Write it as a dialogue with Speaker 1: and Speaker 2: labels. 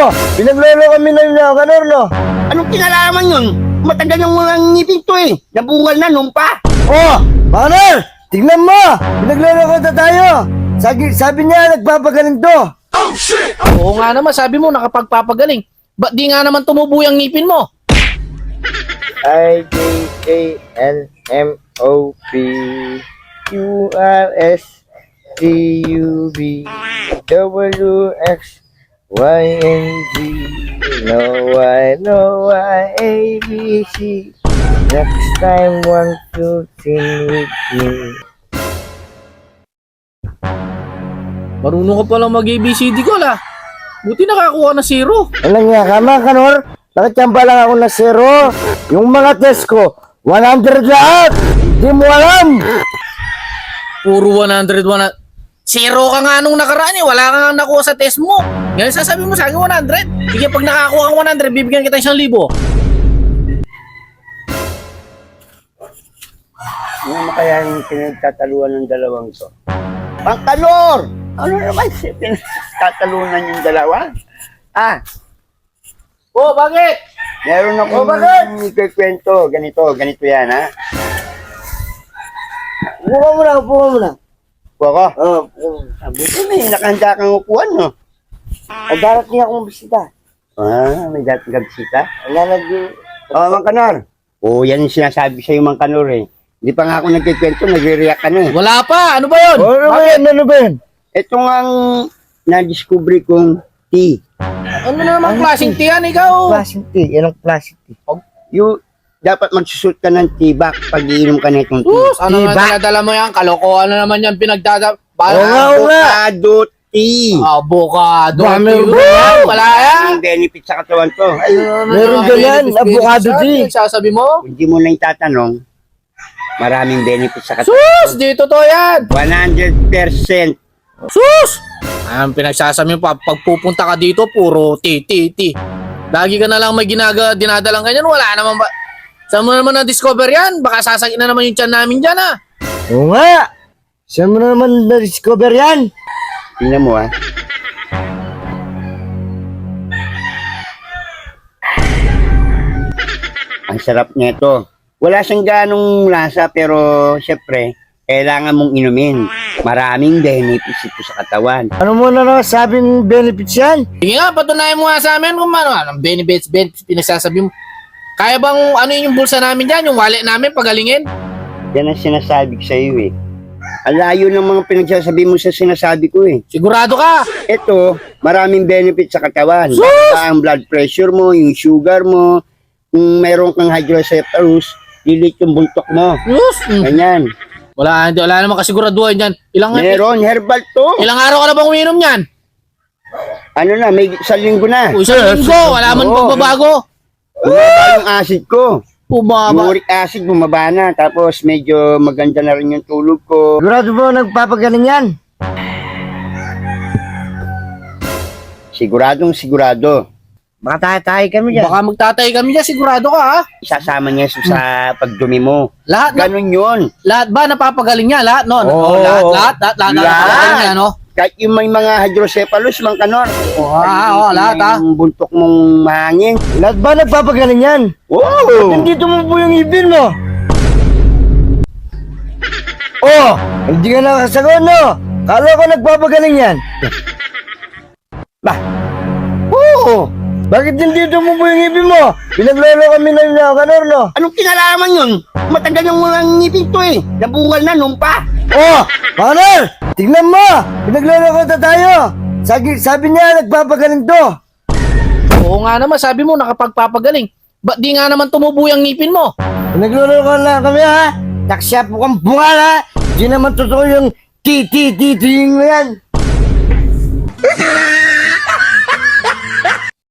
Speaker 1: Pinaglolo kami na Kanor, no?
Speaker 2: Anong kinalaman yun? Matagal yung mga ngipin to eh. Nabungal na nung pa.
Speaker 1: Oh, Kanor! Tignan mo! Pinaglolo ko na tayo! Sabi niya, nagpapagaling to!
Speaker 3: Oo nga naman, sabi mo nakapagpapagaling. Ba't di nga naman tumubo yung ngipin mo?
Speaker 1: I-J-A-N-M-O-P Q-R-S-T-U-B W-X-Y-N-G No Y-A-B-C Next time, 1, 2, 3 with me.
Speaker 3: Marunong ka palang mag-ABCD ko la. Buti nakakuha na 0.
Speaker 1: Alam niya ka mga Kanor? Nakachamba lang ako na 0. Yung mga test ko, 100 lahat! Hindi mo alam!
Speaker 3: Puro 100. 0 ka nga nung nakaraan eh. Wala ka nga nakuha sa test mo. Ngayon sasabi mo sa akin 100. Sige, pag nakakuha kang 100, bibigyan kita 1,000.
Speaker 2: Ano kaya yung pinagtataluan ng dalawang to? Pang Kanor! Ano naman siya pinagtatalunan yung dalawa? Ah,
Speaker 3: Oh, bakit?
Speaker 2: meron akong ikikwento. Ganito yan ha.
Speaker 1: Buka mo na, buka mo na.
Speaker 2: Kuha ko.
Speaker 1: Oh,
Speaker 2: Buti may nakahanda kang upuan no?
Speaker 1: ang darating akong bisita.
Speaker 2: Ah, may dating ka bisita?
Speaker 1: Wala
Speaker 2: Mang Kanor. Oo, yan yung sinasabi sa'yo, Mang Kanor eh. Hindi pa nga ako nagkikwento, nagre-react ka na eh.
Speaker 3: Wala pa. Ano ba yun?
Speaker 1: Ano ba yan?
Speaker 2: Ito nga ang na-discovery kong tea.
Speaker 3: Ano naman klaseng tiyan ikaw?
Speaker 1: Plastic tea. Yan ang plastic tea.
Speaker 2: Dapat magsusot ka ng tibak pag iinom ka na itong tea.
Speaker 3: Sus, ano nga dala mo yan? Kalokohan na naman yan pinagdada.
Speaker 2: Avocado tea.
Speaker 3: Avocado.
Speaker 1: Dami
Speaker 3: tea. Wala yan.
Speaker 2: Ang benefit sa katawan to. Ay,
Speaker 1: Meron ka yan, avocado tea.
Speaker 3: Sasabi mo?
Speaker 2: kung di mo na itatanong, maraming benefit sa katawan.
Speaker 3: Sus, dito to yan.
Speaker 2: 100%.
Speaker 3: Sus! Ang pinagsasabi mo, pag pupunta ka dito, puro ti. Lagi ka na lang may dinadalang ganyan, wala naman ba? Saan mo naman na-discover yan? Baka sasakit na naman yung tiyan namin dyan, ha?
Speaker 1: Oo nga. Saan mo naman na-discover yan?
Speaker 2: Tingnan mo ah. Ang sarap nito. Wala siyang ganong lasa pero syempre, kailangan mong inumin. Maraming benefits ito sa katawan.
Speaker 1: Ano mo na sabing benefits yan?
Speaker 3: Sige nga, patunayan mo nga sa amin kung ano, anong benefits, pinagsasabi mo. Kaya bang ano yung bulsa namin dyan, yung wallet namin, pagalingin?
Speaker 2: Yan ang sinasabi ko sa iyo eh. Alayo ng mga pinagsasabi mo sa sinasabi ko eh.
Speaker 3: Sigurado ka?
Speaker 2: Ito, maraming benefits sa katawan.
Speaker 3: Sus!
Speaker 2: Basta ang blood pressure mo, yung sugar mo, kung mayroon kang hydrocephalus, lilit yung buntok mo.
Speaker 3: Sus!
Speaker 2: Ganyan.
Speaker 3: Wala naman kasiguraduhan dyan.
Speaker 2: Meron, herbal to.
Speaker 3: Ilang araw ka na bang uminom yan?
Speaker 2: Ano na, may isang linggo na.
Speaker 3: O, isang linggo, wala man
Speaker 2: Oo.
Speaker 3: pagbabago.
Speaker 2: Bumaba yung acid ko.
Speaker 3: Bumaba.
Speaker 2: Uric acid bumaba na. Tapos medyo maganda na rin yung tulog ko.
Speaker 1: Sigurado mo nagpapagaling yan?
Speaker 2: Sigurado.
Speaker 1: Baka tayo kami dyan.
Speaker 3: Baka magtatay kami dyan, sigurado ka, ha?
Speaker 2: Isasama niya sa pagdumi mo.
Speaker 3: Lahat
Speaker 2: Ganon yun.
Speaker 3: lahat ba napapagaling niya? Lahat, no?
Speaker 1: Oo.
Speaker 3: Lahat napapagaling niya, no?
Speaker 2: Kahit yung may mga hydrocephalus, Mang Kanor.
Speaker 3: Lahat, ha?
Speaker 2: Yung buntok mong mahangin.
Speaker 1: Lahat ba nagpapagaling yan?
Speaker 2: Wow!
Speaker 1: Nandito mo po yung ibin mo. Oh, hindi ka nakasagot, no? Kala ko nagpapagaling yan.
Speaker 2: Bah,
Speaker 1: Oo. Bakit nandito mo po yung ibin mo? Pinaglolo kami na Kanor, no?
Speaker 2: anong kinalaman yun? Matagal yung mga ngipin to eh. Nabungal na nung pa.
Speaker 1: Oh, Kanor! Tignan mo! Pinaglolo ko na tayo! Sabi niya, nagpapagaling to!
Speaker 3: Oo nga naman, sabi mo nakapagpapagaling. Ba't di nga naman tumubo yung ngipin mo?
Speaker 1: Pinaglolo ko na kami, ha? Taksya po kang bunga, ha? Di naman totoo yung ti mo yan!